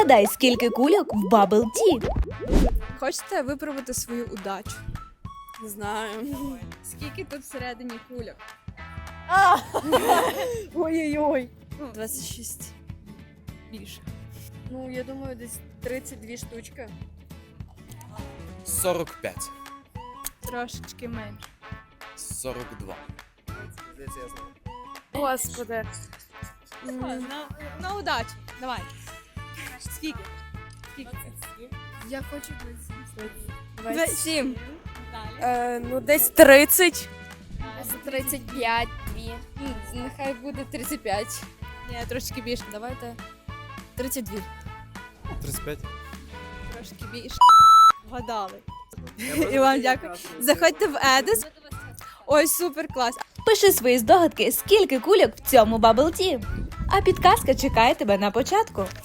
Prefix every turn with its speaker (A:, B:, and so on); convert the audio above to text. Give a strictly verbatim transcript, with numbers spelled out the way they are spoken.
A: Відгадай, скільки кульок в Bubble Tea.
B: Хочете випробувати свою удачу?
C: Не знаю.
B: Скільки тут всередині кульок?
C: Ой-ой-ой.
B: двадцять шість. Більше.
C: Ну, я думаю, десь тридцять дві штучки.
D: сорок п'ять.
B: Трошечки менше.
D: сорок два.
C: Господи.
B: На, на удачу. Давай. Скільки? Скільки?
C: Я хочу
B: двадцять сім.
C: Е, ну, десь тридцять.
E: тридцять п'ять, дві. Нехай буде тридцять п'ять.
B: Ні, трошки більше. Давайте. тридцять два.
D: тридцять п'ять.
B: Трошки більше. Вгадали. І вам дякую. Заходьте в Едис. Ой, супер клас.
A: Пиши свої здогадки, скільки кульок в цьому Bubble Tea. А підказка чекає тебе на початку.